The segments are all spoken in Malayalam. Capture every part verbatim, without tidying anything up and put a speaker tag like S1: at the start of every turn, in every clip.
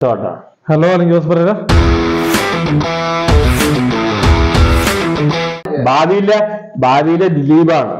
S1: ഹലോ ജോസ് പറയടാ.
S2: ഭാവിയിലെ ഭാവിയിലെ ദിലീപാണ്.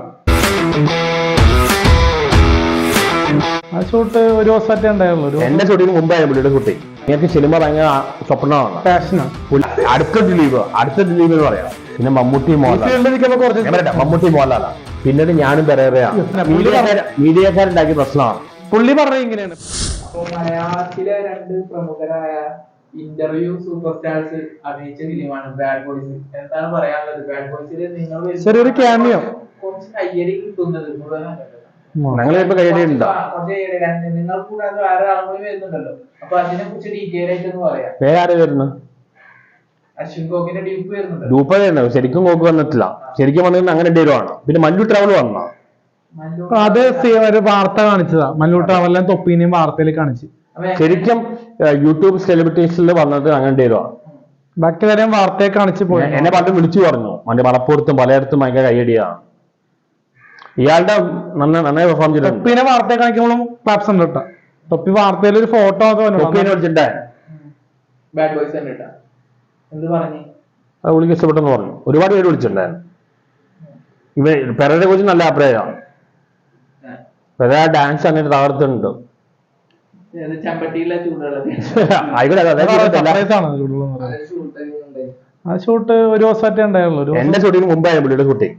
S1: ആ ഷൂട്ട് ഒരു ദിവസമായിട്ടേ ഉണ്ടായുള്ളൂ.
S2: എന്റെ ഷൂട്ടിന് മുമ്പായ പുള്ളിയുടെ ഷൂട്ടിങ്. എനിക്ക് സിനിമ ഭയങ്കര സ്വപ്നമാണ്,
S1: പാഷനാണ്.
S2: അടുത്ത ദിലീപ് അടുത്ത ദിലീപ് എന്ന് പറയാം. പിന്നെ മമ്മൂട്ടി മോഹൻലാൽ മമ്മൂട്ടി മോഹൻലാലാണ്. പിന്നീട് ഞാനും പെരേറയാണ്. മീഡിയക്കാരുണ്ടാക്കിയ പ്രശ്നമാണ്.
S1: പുള്ളി പറഞ്ഞ ഇങ്ങനെയാണ്.
S3: മലയാളത്തിലെ രണ്ട് പ്രമുഖരായ ഇന്റർവ്യൂ സൂപ്പർ സ്റ്റാർസ് അഭിനയിച്ച ഫിലിമാണ് ബാഡ് ബോയ്സ്. എന്താണ് പറയാനുള്ളത്? ബാഡ് ബോയ്സിൽ നിങ്ങൾ
S1: ചെറിയൊരു ക്യാമിയോ
S3: കുറച്ച് കയ്യടി കിട്ടുന്നത്
S2: ഞങ്ങളിപ്പോ കയ്യടിയുണ്ടോ?
S3: നിങ്ങൾ കൂടാതെ വേറെ ആളും കൂടി വരുന്നുണ്ടല്ലോ. അപ്പൊ അതിനെ കുറിച്ച് ഡീറ്റെയിൽ ആയിട്ട് ഒന്ന് പറയാം.
S2: വേറെ വരുന്നു
S3: അശ്വിൻ ഗോകിന്റെ ഡ്യൂപ്പ് വരുന്നുണ്ട്.
S2: ഡ്യൂപ്പ് വരുന്നത് ശരിക്കും ഗോക്ക് വന്നിട്ടില്ല. ശരിക്കും വന്നിട്ട് അങ്ങനെ എന്തെങ്കിലും പിന്നെ മല്ലു ട്രാവൽ വന്ന
S1: അത് ഒരു വാർത്ത കാണിച്ചതാ. മല്ലു ട്രാവലിനെ തൊപ്പീനെയും വാർത്തയിൽ കാണിച്ചു.
S2: ശരിക്കും യൂട്യൂബ് സെലിബ്രിറ്റീസിൽ വന്നത് അങ്ങനെ എന്തെങ്കിലും.
S1: ബാക്കി കാര്യം വാർത്തയെ കാണിച്ചു പോയി.
S2: എന്നെ പണ്ട് വിളിച്ചു പറഞ്ഞു മറ്റേ മലപ്പുറത്തും പലയിടത്തും ഭയങ്കര കയ്യടിയാണ്. ഇയാളുടെ നന്നായി പെർഫോം ചെയ്തു.
S1: തൊപ്പീനെ വാർത്തയെ കാണിക്കുമ്പോഴും ക്ലാപ്സ് ഉണ്ട് കേട്ടോ. തൊപ്പി വാർത്തയിൽ ഒരു ഫോട്ടോ
S2: വിളിച്ചിട്ടേ
S3: ബാഡ് ബോയ്സ് കണ്ടിട്ടാ എന്ത് പറഞ്ഞു?
S2: അത് വിളിക്ക് ഇഷ്ടപ്പെട്ടെന്ന് പറഞ്ഞു. ഒരുപാട് പേര് വിളിച്ചിട്ടുണ്ടായിരുന്നു. ഇവ പെരയെ കുറിച്ച് നല്ല അഭിപ്രായമാണ്. പെര ഡാൻസ് അങ്ങനെ തകർത്തുണ്ട്.
S1: ആ ഷൂട്ട് ഒരു ദിവസമായിട്ടേ ഉണ്ടായുള്ളൂ.
S2: എന്റെ ഷൂട്ടിന് മുമ്പായ പുള്ളിയുടെ ഷൂട്ടിങ്.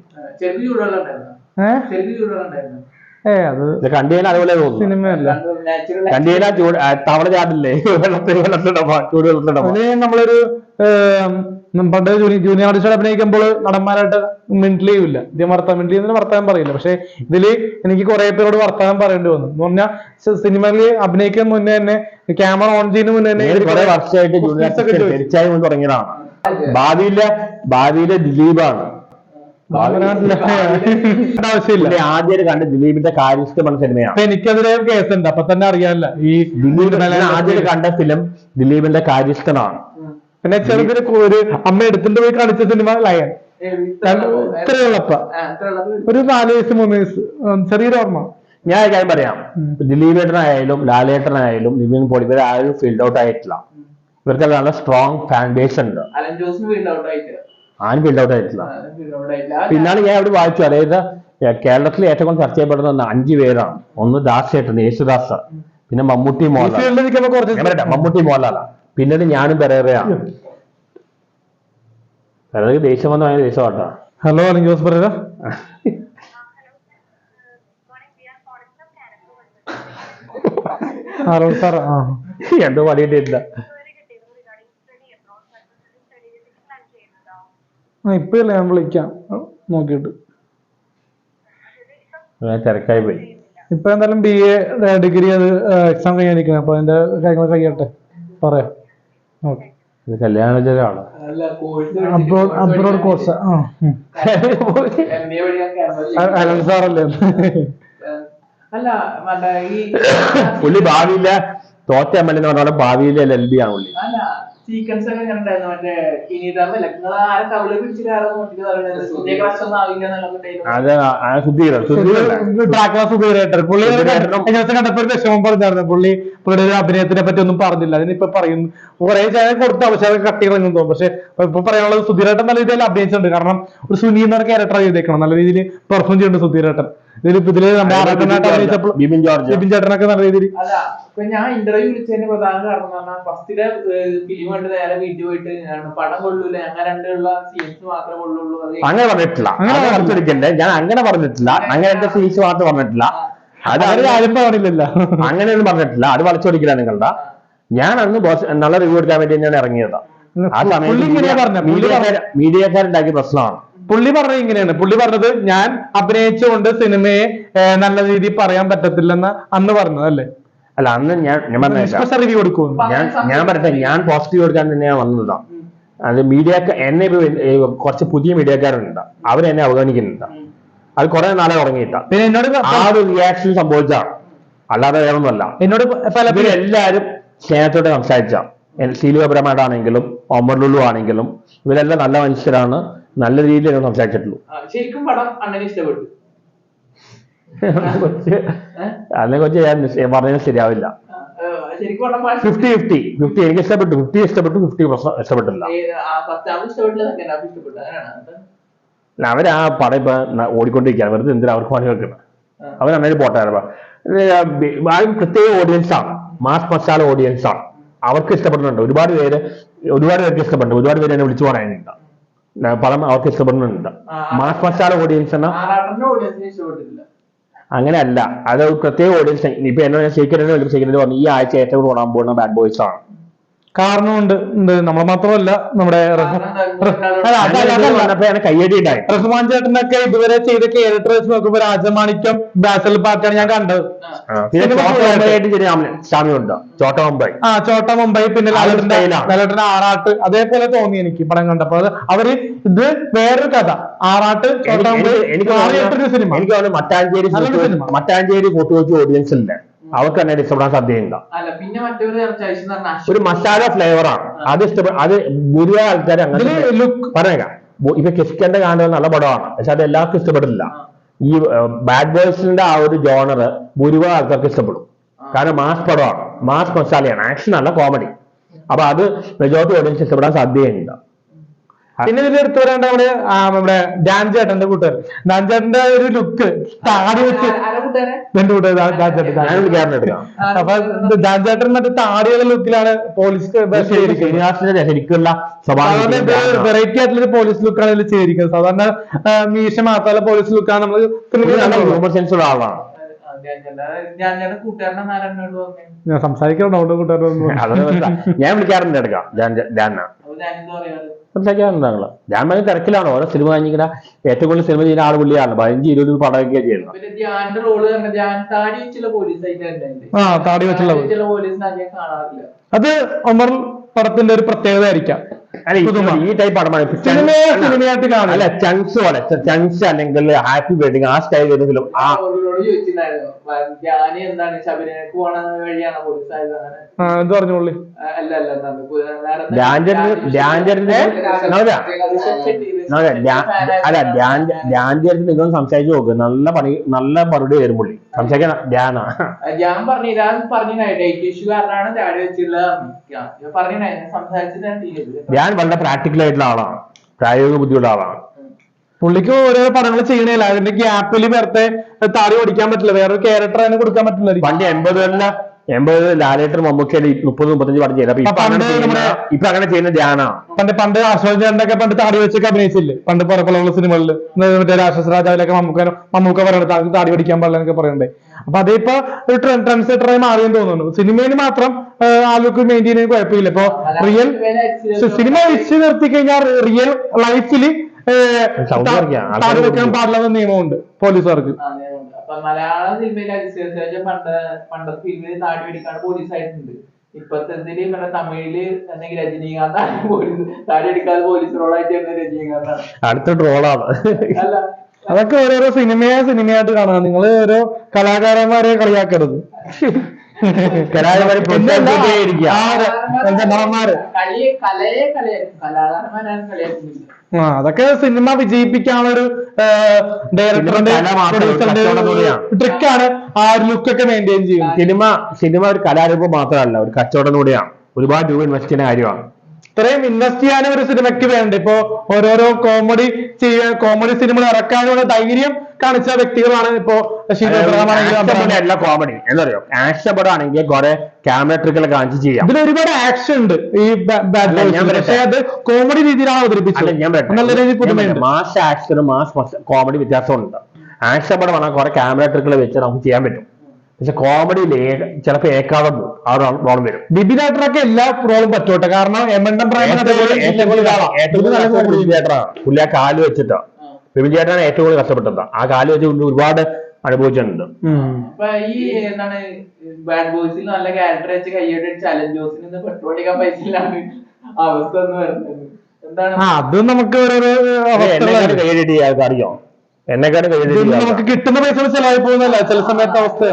S1: ഏ അത്
S2: കണ്ടിയാൽ അതുപോലെ തോന്നുന്നു.
S1: സിനിമയല്ല,
S2: കണ്ടിയാൽ ചൂട് തവള ചാടില്ലേ വെള്ളത്തിൽ ചൂട് വെള്ളത്തിലിട.
S1: നമ്മളൊരു പണ്ട് ജൂനിയർ ആർട്ടിസ്റ്റ് അഭിനയിക്കുമ്പോൾ നടന്മാരായിട്ട് മിണ്ടിലേ ഇല്ല. ഇതേ വർത്താൻ മിണ്ടിലി എന്ന് വർത്താനം പറയില്ല. പക്ഷെ ഇതില് എനിക്ക് കുറെ പേരോട് വർത്താനം പറയേണ്ടി വന്നു. എന്ന് പറഞ്ഞാൽ സിനിമയിൽ അഭിനയിക്കാൻ മുന്നേ തന്നെ ക്യാമറ ഓൺ ചെയ്യുന്ന മുന്നേ തന്നെ
S2: കുറെ വർഷമായിട്ട് ജൂനിയർ തുടങ്ങിയതാണ്. ഭാവിയിലെ ഭാവിയിലെ ദിലീപാണ്.
S1: ആവശ്യമില്ല.
S2: ആദ്യമായിട്ട് കണ്ട് ദിലീപിന്റെ കാര്യസ്ഥമായ സിനിമയാണ്.
S1: എനിക്കതിലെ കേസുണ്ട്. അപ്പൊ തന്നെ അറിയാല്ല. ഈ
S2: ദിലീപിനെ ആദ്യമായിട്ട് കണ്ട ഫിലിം ദിലീപിന്റെ കാര്യസ്ഥനാണ്.
S1: പിന്നെ ചെറുതിന് ഒരു അമ്മ എടുത്തിട്ട് പോയി കാണിച്ച സിനിമ ലയൻ. ഇത്രയുള്ളപ്പ ഒരു നാല് വയസ്സ് മൂന്ന് വയസ്സ് ചെറിയൊരു ഓർമ്മ.
S2: ഞാൻ കാര്യം പറയാം. ദിലീപേട്ടനായാലും ലാലേട്ടനായാലും നിവിൻ പോളി ഇവർ ആരും ഫീൽഡ് ഔട്ട് ആയിട്ടില്ല. ഇവർക്ക് നല്ല സ്ട്രോങ് ഫാൻ ബേസ് ഉണ്ട്. ആരും ഫീൽഡ് ഔട്ട് ആയിട്ടില്ല. പിന്നാണ് ഞാൻ ഇവിടെ വായിച്ചു. അതായത് കേരളത്തിൽ ഏറ്റവും കൂടുതൽ ചർച്ച ചെയ്യപ്പെടുന്ന അഞ്ചു പേരാണ്. ഒന്ന് ദാസേട്ടൻ, യേശുദാസ്, പിന്നെ മമ്മൂട്ടി മോഹൻലാൽ മമ്മൂട്ടി മോഹൻലാലാണ്. പിന്നീട് ഞാനും പെരേറയാണ്. പെരേറ ദേഷ്യം വന്ന ഭയങ്കര ദേഷ്യമാട്ടോ.
S1: ഹലോ ജോസ് പറയടാ. Hello sir. ആ
S2: എന്തോ പണിയിട്ടില്ല.
S1: ആ ഇപ്പഴല്ലേ ഞാൻ വിളിക്കാം നോക്കിയിട്ട്.
S2: തിരക്കായി പോയി.
S1: ഇപ്പൊ എന്തായാലും ബി എ ഡിഗ്രി അത് എക്സാം കഴിയാനിരിക്കണം. അപ്പൊ അതിന്റെ കാര്യങ്ങൾ കഴിയട്ടെ പറയാം. ഓക്കെ.
S2: കല്യാണജലാണ്
S1: അബ്രോഡ് അബ്രോഡ് കോഴ്സ്. ആ അനന്ത് സാറല്ലേ?
S2: പുള്ളി ഭാവിയിലെ തോറ്റ എം എൽ എന്ന് പറഞ്ഞാൽ ഭാവിയിലെ എൽ ബി ആണ് പുള്ളി.
S3: സീക്വൻസ് ഒക്കെ എങ്ങനെ ഉണ്ടായിരുന്നു? മറ്റേ ഇനിതല്ല നിങ്ങൾ ആരെ തവള പിടിച്ചിട്ട്
S1: കണ്ടപ്പോ വിഷമം പറഞ്ഞായിരുന്നു. പുള്ളി പുള്ളിയുടെ അഭിനയത്തിനെ പറ്റി ഒന്നും പറഞ്ഞില്ല. അതിനിപ്പൊ പറയുന്നു കുറെ ചാനൽ കൊടുത്ത അവസരം കട്ടികളെന്ന് തോന്നും. പക്ഷെ ഇപ്പൊ പറയാനുള്ളത് സുധീരേട്ടൻ നല്ല രീതിയിൽ അഭിനയിച്ചിട്ടുണ്ട്. കാരണം ഒരു സുനി എന്ന ക്യാരക്ടർ ചെയ്തേക്കണം. നല്ല രീതിയിൽ പെർഫോം ചെയ്യുന്നുണ്ട് സുധീരേട്ടൻ. ഇതിൽ ഇതില് ബിബിൻ ചേട്ടനൊക്കെ നല്ല രീതിയിൽ.
S3: ഞാൻ ഇന്റർവ്യൂ വിളിച്ചതിന്റെ പ്രധാന കാരണം എന്ന് പറഞ്ഞാൽ ഫസ്റ്റിലെ ഫിലിം കണ്ട് നേരെ വീട്ടിൽ പോയിട്ട് പടം കൊള്ളൂല, അങ്ങനെ രണ്ടുള്ള സീൻസ് മാത്രമേ കൊള്ളുള്ളൂ.
S2: അങ്ങനെ പറഞ്ഞിട്ടില്ല. അങ്ങനെ പറഞ്ഞിരിക്കണ്ടേ. ഞാൻ അങ്ങനെ പറഞ്ഞിട്ടില്ല. അങ്ങനെ എന്റെ സീൻസ് മാത്രം പറഞ്ഞിട്ടില്ല. അത് ആരും പറഞ്ഞില്ലല്ലോ. അങ്ങനെയൊന്നും പറഞ്ഞിട്ടില്ല. അത് വളച്ചൊടിക്കില്ല നിങ്ങളുടെ. ഞാൻ അന്ന് നല്ല റിവ്യൂ എടുക്കാൻ വേണ്ടി ഞാൻ ഇറങ്ങിയതാ. ആ സമയത്ത് മീഡിയക്കാരുണ്ടാക്കിയ പ്രശ്നമാണ്.
S1: പുള്ളി പറഞ്ഞത് ഇങ്ങനെയാണ്. പുള്ളി പറഞ്ഞത് ഞാൻ അഭിനയിച്ചുകൊണ്ട് സിനിമയെ നല്ല രീതിയിൽ പറയാൻ പറ്റത്തില്ലെന്ന് അന്ന് പറഞ്ഞത് അല്ലേ?
S2: അല്ല, അന്ന് ഞാൻ ഞാൻ
S1: റിവ്യൂ കൊടുക്കും.
S2: ഞാൻ ഞാൻ പറയട്ടെ, ഞാൻ പോസിറ്റീവ് കൊടുക്കാൻ തന്നെയാണ് വന്നതാണ്. അത് മീഡിയ എന്നെ കുറച്ച് പുതിയ മീഡിയക്കാരുണ്ട്. അവരെന്നെ അവഗണിക്കുന്നുണ്ട്. അത് കുറെ നാളെ തുടങ്ങിയിട്ട. പിന്നെ എന്നോട് ആ ഒരു റിയാക്ഷൻ സംഭവിച്ചാണ്, അല്ലാതെ വേറൊന്നുമല്ല. എന്നോട് പല എല്ലാവരും സ്നേഹത്തോടെ സംസാരിച്ച ശീലപരമായിട്ടാണെങ്കിലും ഒമർ ലുലു ആണെങ്കിലും ഇവരെല്ലാം നല്ല മനുഷ്യരാണ്. നല്ല രീതിയിൽ സംസാരിച്ചിട്ടുള്ളൂ.
S3: ശരിക്കും പടം അണ്ണന് ഇഷ്ടപ്പെട്ടു.
S2: അതിനെ കുറിച്ച് ഞാൻ പറഞ്ഞത് ശരിയാവില്ല.
S3: ശരിക്കും പറഞ്ഞ
S2: ഫിഫ്റ്റി ഫിഫ്റ്റി ഫിഫ്റ്റി എനിക്ക് ഇഷ്ടപ്പെട്ടു, ഫിഫ്റ്റി ഇഷ്ടപ്പെട്ടു, ഫിഫ്റ്റി ഇഷ്ടപ്പെട്ടില്ല. അവർ ആ പടം ഇപ്പൊ ഓടിക്കൊണ്ടിരിക്കുകയാണ്, വെറുതെ എന്തിനാ അവർക്ക് പണി വെക്കുന്നത്. അവർ നന്നായി പോട്ടായിരുന്നു. പ്രത്യേക ഓഡിയൻസ് ആണ്, മാസ് മസാല ഓഡിയൻസ് ആണ്, അവർക്ക് ഇഷ്ടപ്പെടുന്നുണ്ട്. ഒരുപാട് പേര് ഒരുപാട് പേർക്ക് ഇഷ്ടപ്പെടുന്നുണ്ട്, ഒരുപാട് പേര് എന്നെ വിളിച്ചു പറയാനുണ്ട് പടം അവർക്ക് ഇഷ്ടപ്പെടുന്നുണ്ട്. മാസ് മസാല ഓഡിയൻസ് എന്ന അങ്ങനെയല്ല, അത് പ്രത്യേക ഓഡിയൻസ്. ഇപ്പൊ എന്നോട് ശേഖരനെ വിളിച്ചു, ശേഖരൻ പറഞ്ഞു ഈ ആഴ്ച ഏറ്റവും കൂടുതൽ ഓടാൻ പോകുന്ന ബാഡ് ബോയ്സ് ആണ്.
S1: കാരണമുണ്ട്, നമ്മൾ മാത്രമല്ല നമ്മുടെ
S2: കയ്യടി ഉണ്ടായി.
S1: റഹ്മാൻ ചേട്ടനൊക്കെ ഇതുവരെ ചെയ്ത ക്യാരക്ടർ വെച്ച് നോക്കുമ്പോ രാജമാണിക്യം, ബാസൽ പാർക്കാണ് ഞാൻ കണ്ടത്.
S2: സാമ്യമുണ്ട് ചോട്ട മുംബൈ, ആ
S1: ചോട്ട മുംബൈ, പിന്നെ ലാലേട്ടന്റെ ആറാട്ട് അതേപോലെ തോന്നി എനിക്ക് പടം കണ്ടപ്പോ. അത് അവര് ഇത് വേറൊരു കഥ, ആറാട്ട് ചോട്ട മുംബൈ എനിക്ക് സിനിമ.
S2: എനിക്ക് തോന്നുന്നു മട്ടാഞ്ചേരി മട്ടാഞ്ചേരി കൂട്ടുവെച്ച് ഓഡിയൻസ് ഉണ്ട്, അവർക്ക് തന്നെ ഇഷ്ടപ്പെടാൻ സാധ്യതയുണ്ട്. ഒരു മസാല ഫ്ലേവർ ആണ് അത്, ഇഷ്ടപ്പെടും. അത് ഭൂരിഭാഗം ആൾക്കാർ അങ്ങനെ പറയാം. ഇപ്പൊ കിസ്കന്റെ കാണുന്നത് നല്ല പടമാണ്, പക്ഷെ അത് എല്ലാവർക്കും ഇഷ്ടപ്പെടില്ല. ഈ ബാഡ് ബോയ്സിന്റെ ആ ഒരു ജോണർ ഭൂരിഭാഗം ആൾക്കാർക്ക് ഇഷ്ടപ്പെടും, കാരണം മാസ് പടമാണ്, മാസ് മസാലയാണ്, ആക്ഷൻ അല്ല കോമഡി. അപ്പൊ അത് മെജോറിറ്റി ഓഡിയൻസ് ഇഷ്ടപ്പെടാൻ സാധ്യതയുണ്ട്.
S1: പിന്നെ ഇതിൽ എടുത്തു വരേണ്ട നമ്മുടെ നമ്മുടെ ഡാൻ ചേട്ടന്റെ കൂട്ടുകാരൻ, ഡാൻ ചേട്ടന്റെ ഒരു ലുക്ക് താടി വെച്ച് എന്റെ കൂട്ടുകാരൻ. അപ്പൊ ഡാൻ ചേട്ടൻ മറ്റേ താടിയുള്ള ലുക്കിലാണ് പോലീസ്
S2: ശരിക്കുള്ള
S1: വെറൈറ്റി ആയിട്ടുള്ള പോലീസ് ലുക്കാണ് ഇതിൽ ചെയ്തിരിക്കുന്നത്. സാധാരണ മീശ മാത്രമല്ല പോലീസ് ലുക്കാണ് നമ്മൾ
S2: സെൻസുള്ള ആളാണ്.
S1: ഞാൻ സംസാരിക്കാറുണ്ട് കൂട്ടുകാരൊന്നും
S2: ഞാൻ വിളിക്കാറുണ്ട് എടുക്കാം സംസാരിക്കാറുണ്ടാണല്ലോ. ഞാൻ ഭയങ്കര തിരക്കിലാണ്, ഓരോ സിനിമ കഴിഞ്ഞിങ്ങനെ ഏറ്റവും കൂടുതൽ സിനിമ ചെയ്യുന്ന ആൾ പുള്ളിയാണ്. പതിനഞ്ച് ഇരുപത് പടമൊക്കെ ചെയ്യുന്നത്.
S1: ആ താടി വെച്ചുള്ള അത് ഒമർ പടത്തിന്റെ ഒരു പ്രത്യേകത ആയിരിക്കാം.
S2: ഈ ടൈപ്പ് പടമാണ്
S1: സിനിമയായിട്ട് കാണാം.
S2: അല്ല ചങ്സ് പോലെ ചങ്സ് അല്ലെങ്കിൽ ഹാപ്പി വെഡിങ് ആ സ്റ്റൈൽ വരുന്നതിലും ആ എന്ത് പറഞ്ഞു പുള്ളി അല്ല ഡാൻജേഴ്സ് നിങ്ങൾ സംസാരിച്ചു നോക്ക്, നല്ല പണി നല്ല മറുപടി വരും പുള്ളി സംസാരിക്കാൻ. ധ്യാനാ
S3: ഞാൻ പറഞ്ഞു
S2: ഞാൻ വളരെ പ്രാക്ടിക്കൽ ആയിട്ടുള്ള ആളാണ്, പ്രായോഗിക ബുദ്ധിയുള്ള ആളാണ്.
S1: പുള്ളിക്ക് ഓരോ പടങ്ങൾ ചെയ്യണില്ല, അതിന്റെ ഗ്യാപ്പിൽ വെറുതെ താടി ഓടിക്കാൻ പറ്റില്ല, വേറൊരു ക്യാരക്ടർ അതിന് കൊടുക്കാൻ പറ്റില്ല.
S2: പണ്ട് എൺപതുകളിലെ എൺപത് ലാലേട്ടർ മമ്മൂക്കയിൽ മുപ്പത് മുപ്പത്തഞ്ച് പടം ചെയ്ത് ഇപ്പൊ അങ്ങനെ ചെയ്യുന്ന ധ്യാനാണ്.
S1: പണ്ട് പണ്ട് ആശ്വാസന്റെ ഒക്കെ പണ്ട് താടി വെച്ചൊക്കെ അഭിനയിച്ചില്ലേ പണ്ട് പുറപ്പുള്ള സിനിമകളിൽ, മറ്റേ രാക്ഷസ രാജാവിലൊക്കെ മമ്മൂക്ക മമ്മൂക്ക പറയണത് താടി പഠിക്കാൻ പാടില്ല എന്നൊക്കെ പറയണ്ടേ. അപ്പൊ അതിപ്പോ ഒരു ട്രെൻഡ് സെറ്ററായി മാറിയെന്ന് തോന്നുന്നു. സിനിമയിൽ മാത്രം ആൾക്ക് മെയിൻറ്റെയിൻ ചെയ്യാൻ കുഴപ്പമില്ല. ഇപ്പൊ റിയൽ സിനിമ വെച്ച് നിർത്തി കഴിഞ്ഞാൽ റിയൽ ലൈഫിൽ താടി വെക്കാൻ പാടില്ലെന്ന നിയമമുണ്ട് പോലീസുകാർക്ക്.
S3: മലയാള സിനിമയിലെ പണ്ട് പണ്ടത്തെ ഫിലിമിൽ താടി പിടിക്കാണ് പോലീസ് ആയിട്ടുണ്ട്. ഇപ്പത്തെ ഇവിടെ തമിഴില് അല്ലെങ്കിൽ രജനീകാന്താണ് പോലീസ്, താടി അടിക്കാതെ പോലീസ് റോളായിട്ട് രജനീകാന്താണ്.
S2: അടുത്ത ട്രോളാണ്.
S3: അല്ല
S1: അതൊക്കെ ഓരോരോ സിനിമയെ സിനിമയായിട്ട് കാണാം. നിങ്ങൾ ഓരോ കലാകാരന്മാരെ കളിയാക്കരുത്. ആ അതൊക്കെ സിനിമ വിജയിപ്പിക്കാനുള്ള ഒരു ഡയറക്ടറിന്റെ ട്രിക്കാണ് ആ ഒരു ലുക്കൊക്കെ മെയിൻറ്റെയിൻ ചെയ്യും.
S2: സിനിമ സിനിമ ഒരു കലാരൂപം മാത്രമല്ല, ഒരു കച്ചവടം കൂടിയാണ്. ഒരുപാട് രൂപ ഇൻവെസ്റ്റ് ചെയ്യുന്ന കാര്യമാണ്.
S1: ഇത്രയും ഇൻവെസ്റ്റ് ചെയ്യാനും ഒരു സിനിമയ്ക്ക് വേണ്ട. ഇപ്പൊ ഓരോരോ കോമഡി ചെയ്യാൻ കോമഡി സിനിമകൾ ഇറക്കാനുള്ള ധൈര്യം കാണിച്ച വ്യക്തികളാണ് ഇപ്പോ
S2: എല്ലാ കോമഡി എന്താ പറയുക. ആക്ഷൻ പടമാണെങ്കിൽ കുറെ ക്യാമറ ട്രിക്കുകൾ കാണിച്ച് ചെയ്യാം.
S1: ഇതിൽ ഒരുപാട് ആക്ഷൻ ഉണ്ട് ഈ പക്ഷേ അത് കോമഡി രീതിയിലാണ് അവതരിപ്പിച്ചത്. നല്ല രീതിയിൽ പുതുമയുണ്ട്.
S2: മാസ് ആക്ഷനും മാസ് കോമഡി വ്യത്യാസമുണ്ട്. ആക്ഷൻ പടമാണ് കുറെ ക്യാമറ ട്രിക്കുകൾ വെച്ച് നമുക്ക് ചെയ്യാൻ പറ്റും, പക്ഷെ കോമഡിയിൽ ചിലപ്പോ ഏക്കാതെ ആ റോളും വരും.
S1: ബിബിനാട്ടറൊക്കെ എല്ലാ റോളും പറ്റോട്ടെ, കാരണം എമണ്ടൻ
S2: പുള്ളി ആ കാല് വെച്ചിട്ടാ ബിബിൻ ചേട്ടനാണ് ഏറ്റവും കൂടുതൽ കഷ്ടപ്പെട്ടത്. ആ കാല് വെച്ച് ഒരുപാട് അനുഭവിച്ചിട്ടുണ്ട്.
S3: അപ്പൊ ഈ എന്താണ് ബാഡ് ബോയ്സിൽ നല്ല ക്യാരക്ടർ വെച്ച് കയ്യോടെ ചലഞ്ച് ജോസിന് പെട്രോൾ അടിക്കാൻ പൈസ ഇല്ലാണ്ട് അവസ്ഥ എന്ന് പറയുന്നത് എന്താണ്?
S1: അത് നമുക്ക്
S2: കയ്യടി അറിയോ, എന്നെക്കാട്
S1: നമുക്ക് കിട്ടുന്ന പൈസ ചെലവായി പോകുന്നല്ല ചില സമയത്ത് അവസ്ഥ.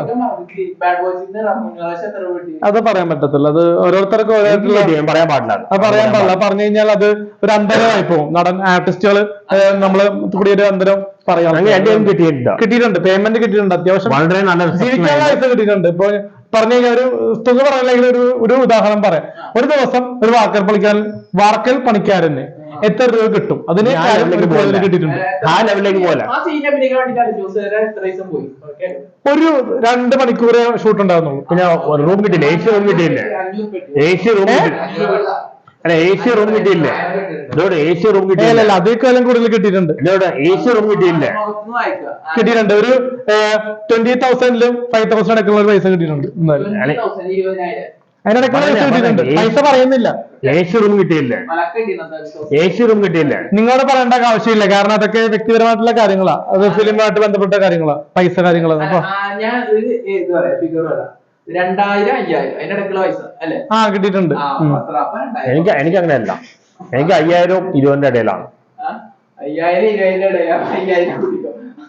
S1: അത് പറയാൻ പറ്റത്തില്ല, അത് ഓരോരുത്തർക്കും ഓരോരുത്തർ
S2: പറയാൻ പാടില്ല.
S1: അത് പറയാൻ പാടില്ല. പറഞ്ഞു കഴിഞ്ഞാൽ അത് ഒരു അന്തരമായി പോകും. നടൻ ആർട്ടിസ്റ്റുകള് നമ്മള് കൂടി ഒരു അന്തരം പറയാം.
S2: കിട്ടിയിട്ടുണ്ട്,
S1: കിട്ടിയിട്ടുണ്ട് പേയ്മെന്റ് കിട്ടിയിട്ടുണ്ട്, അത്യാവശ്യം
S2: വളരെ നല്ല
S1: ജീവിക്കാനുള്ള പൈസ കിട്ടിയിട്ടുണ്ട്. ഇപ്പൊ പറഞ്ഞു കഴിഞ്ഞാൽ ഒരു തുക പറയില്ലെങ്കിൽ ഒരു ഒരു ഉദാഹരണം പറയാം. ഒരു ദിവസം ഒരു വാർക്കൽ പണിക്കാരൻ വാർക്കൽ പണിക്കാരന് എത്ര രൂപ കിട്ടും? അതിന്
S2: ആ ലെവലിലേക്ക് പോലെ.
S1: കിട്ടിയിട്ടുണ്ട്.
S2: ആ ലെവലിലേക്ക് പോലെ
S3: ആ സീൻ അഭിനയിക്കാൻ വേണ്ടിയിട്ടാണ് ജോസ് എത്ര ദിവസം പോയി. ഓക്കെ,
S1: ഒരു രണ്ട് മണിക്കൂറേ ഷൂട്ട് ഉണ്ടാകുന്നുള്ളൂ.
S2: പിന്നെ റൂം കിട്ടിയില്ല, എ സി റൂം കിട്ടിയില്ലേ? എ സി റൂം അല്ല എ സി റൂം കിട്ടിയില്ലേ? ഇതോടെ എ സി റൂം കിട്ടിയില്ല.
S1: അല്ല അതേക്കാലം കൂടുതൽ കിട്ടിയിട്ടുണ്ട്.
S2: ഇതോടെ എ സി റൂം കിട്ടിയില്ലേ?
S1: കിട്ടിയിട്ടുണ്ട്. ഒരു ട്വന്റി തൗസൻഡിലും ഫൈവ് തൗസൻഡ് ഒക്കെ ഉള്ള ഒരു പൈസ കിട്ടിയിട്ടുണ്ട്. എന്തായാലും അതിനിടയ്ക്കുള്ള പൈസ കിട്ടിയിട്ടുണ്ട്. പൈസ പറയുന്നില്ല.
S2: എ സി റൂം കിട്ടിയില്ലേ? എ സി റൂം കിട്ടിയില്ലേ?
S1: നിങ്ങളോട് പറയേണ്ട ആവശ്യമില്ല, കാരണം അതൊക്കെ വ്യക്തിപരമായിട്ടുള്ള കാര്യങ്ങളാ, അത് ഫിലിമായിട്ട് ബന്ധപ്പെട്ട കാര്യങ്ങളാ, പൈസ കാര്യങ്ങളാ. അപ്പൊ
S3: ഞാൻ ഒരു ഇത് പറയാം, ഫിഗർ പറയാം, രണ്ടായിരം അയ്യായിരം അതിനിടയ്ക്കുള്ള പൈസ അല്ലെ?
S1: ആ കിട്ടിയിട്ടുണ്ട്.
S2: എനിക്ക് എനിക്ക് അങ്ങനെയല്ല, എനിക്ക് അയ്യായിരം ഇരുപതിന്റെ ഇടയിലാണ്.
S3: അയ്യായിരം ഇരുപതിന്റെ ഇടയിലാണ്. അയ്യായിരം കുടിക്കും.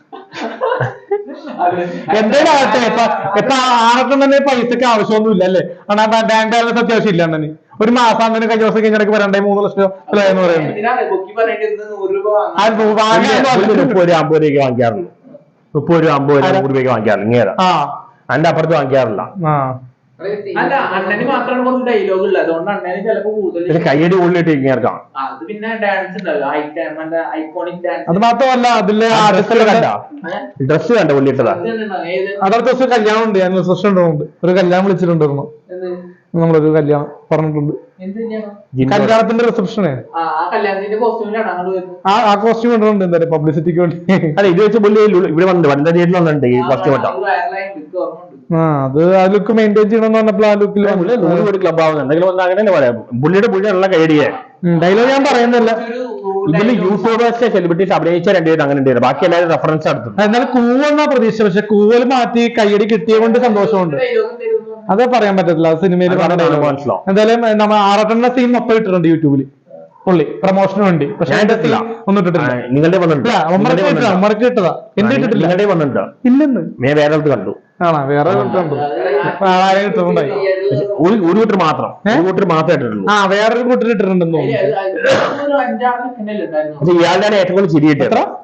S1: എന്തായാലും ആകട്ടെ, ഇപ്പൊ ഇപ്പൊ ആർക്കും തന്നെ പൈസക്ക് ആവശ്യമൊന്നുമില്ല അല്ലേ? കാരണം ബാങ്ക് ബാലൻസ് അത്യാവശ്യം ഇല്ല അണ്ണന്. ഒരു മാസം അങ്ങനെ കഴിഞ്ഞ ദിവസം കഴിഞ്ഞിടയ്ക്ക് വരണ്ടേ മൂന്ന് ലക്ഷം രൂപ എന്ന് പറയുന്നത്.
S2: മുപ്പത് രൂപ അമ്പത് രൂപയ്ക്ക് വാങ്ങിക്കാറുള്ളൂ. മുപ്പത് രൂപ അമ്പത് രൂപ നൂറ് രൂപയ്ക്ക് വാങ്ങിക്കാറില്ല. ഇങ്ങനെ അതിന്റെ അപ്പുറത്ത് വാങ്ങിക്കാറില്ല.
S3: അല്ല, അണ്ണന് മാത്രമാണ് കുറച്ച് ഡയലോഗ് ഉള്ളത്, അതുകൊണ്ട് അണ്ണന് ചിലപ്പോ കൂടുതൽ
S2: കയ്യടി ഉള്ളിട്ട് ഇങ്ങേർക്കാം.
S3: അത് പിന്നെ ഡാൻസ് ഉണ്ടല്ലോ, ഐക്കോണിക് ഡാൻസ്.
S1: അത് മാത്രമല്ല, അതിലെ
S2: ഡ്രസ് കണ്ട ഉള്ളിട്ടതാ.
S1: അടുത്ത ദിവസം കല്യാണം ഉണ്ട്, ഞാൻ റിസപ്ഷൻ ഉണ്ട്, ഒരു കല്യാണം വിളിച്ചിട്ടുണ്ടായിരുന്നു. നമ്മളൊരു കല്യാണം പറഞ്ഞിട്ടുണ്ട്, കല്യാണത്തിന്റെ റിസപ്ഷന്. ആ ആ കോസ്റ്റ്യൂം ഇടുന്നുണ്ട് എന്തായാലും പബ്ലിസിറ്റിക്ക് വേണ്ടി.
S2: അല്ല ഇത് വെച്ച് പുള്ളി ഇവിടെ വന്നിട്ട് വനിതാ തിയേറ്ററിൽ വന്നിട്ടുണ്ട് ഈ കോസ്റ്റ്യൂം ഇട്ടാ.
S1: ആ അത് ആ ലുക്ക് മെയിൻറ്റെയിൻ ചെയ്യണമെന്ന് പറഞ്ഞപ്പോൾ ആ ലുക്കിൽ
S2: നൂറ് കോടി ക്ലബ് ആവുന്നത് എന്തെങ്കിലും അങ്ങനെ പറയാം. പുള്ളിയുടെ പുള്ളിയുള്ള കൈയടിയെ
S1: ഡയലോഗ് ഞാൻ പറയുന്നില്ല.
S2: ഇതില് യൂട്യൂബേഴ്സ് സെലിബ്രിറ്റീസ് അഭിനയിച്ച രണ്ടുപേരും അങ്ങനെ ഉണ്ട്, ബാക്കി എല്ലാവരും റെഫറൻസ് നടത്തും.
S1: എന്നാൽ കൂവെന്നാ പ്രതീക്ഷ, പക്ഷെ കൂവൽ മാറ്റി കയ്യടി കിട്ടിയ കൊണ്ട് സന്തോഷമുണ്ട്. അത് പറയാൻ പറ്റത്തില്ല, അത് സിനിമയിൽ
S2: മനസ്സിലാവും.
S1: എന്തായാലും നമ്മൾ ആറട്ടെണ്ണ സീൻ മൊത്തം ഇട്ടിട്ടുണ്ട് യൂട്യൂബിൽ പുള്ളി പ്രൊമോഷന് വേണ്ടി. പക്ഷെ ഒന്നും ഇട്ടിട്ടില്ല.
S2: നിങ്ങളുടെ വന്നിട്ടുണ്ട്,
S1: ഉമ്മർക്ക് ഇട്ടതാ, എന്റെ ഇട്ടിട്ടില്ല.
S2: നിങ്ങളുടെ വന്നിട്ടുണ്ട്
S1: ഇല്ലെന്ന്
S2: ഞാൻ വേറെ അടുത്ത് കണ്ടു.
S1: ആണോ? വേറെ ഇട്ടുണ്ട്, ആരെയും ഇട്ടിട്ടുണ്ടായി.
S2: ഒരു ഒരു കൂട്ടർ മാത്രം, ഒരു കൂട്ടർ മാത്രമേ ഇട്ടിട്ടുള്ളൂ.
S1: ആ വേറൊരു കൂട്ടർ ഇട്ടിട്ടുണ്ടെന്ന് തോന്നുന്നു.
S2: ഇയാളുടെ ഏറ്റവും കൂടുതൽ ചിരിയിട്ട്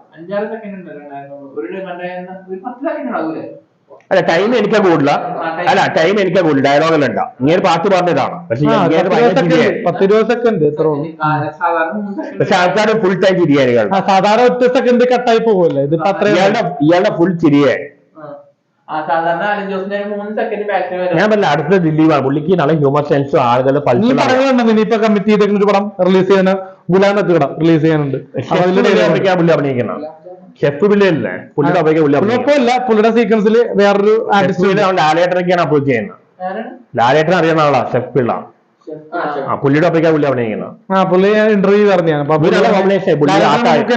S2: അല്ല ടൈം എനിക്കാ കൂടില്ല. അല്ല ടൈം എനിക്കാ കൂടുതൽ, ഡയലോഗെല്ലാം ഉണ്ടാ. ഇങ്ങനെ പാട്ട് പറഞ്ഞതാണ്, പക്ഷെ
S1: പത്ത് ഇരുപത് സെക്കൻഡ് എത്ര.
S2: പക്ഷെ ആൾക്കാർ ഫുൾ ടൈം ചിരിയായി.
S1: സാധാരണ ഒറ്റ സെക്കൻഡ് കട്ടായി പോകുമല്ലേ, ഇത്
S2: ഇയാളുടെ ഇയാളുടെ ഫുൾ ചിരിയായി. ഞാൻ പറഞ്ഞ അടുത്ത ദിലീപാണ്, പുള്ളിക്ക് നല്ല ഹ്യൂമർ സെൻസും ആളുകളുടെ
S1: ഇനിയിപ്പോ കമ്മിറ്റി ചെയ്തേക്കുന്ന ഒരു പടം റിലീസ് ചെയ്യാൻ ഗുലാം എത്തുകട റിലീസ് ചെയ്യാനുണ്ട്.
S2: പുള്ളി അഭിനയിക്കണം. ഷെഫ് ബില്ലല്ലേ പുള്ളിയുടെ അഭിനയിക്കാൻ
S1: കുഴപ്പമില്ല. പുള്ളിയുടെ സീക്വൻസിൽ വേറൊരു ആർട്ടിസ്റ്റ്
S2: ലാലേട്ടനൊക്കെയാണ് അപ്രോച്ച് ചെയ്യുന്നത്. ലാലേട്ടൻ അറിയുന്ന ആളാ ഷെഫ് പിള്ള. ആ പുള്ളിയുടെ അഭിനയിക്കാൻ പുള്ളി അഭിനയിക്കണം.
S1: ആ പുള്ളി ഇന്റർവ്യൂ പറഞ്ഞാണ്.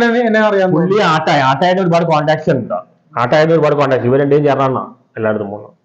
S2: പുള്ളി ആട്ടായ ആട്ടായതിന് ഒരുപാട് കോൺടാക്ട്സ് ഉണ്ട്. ആട്ടായതിന് ഒരുപാട് കോൺടാക്ട് ഇവർ രണ്ടും ചേർന്നാണ് എല്ലായിടത്തും പോകുന്നത്.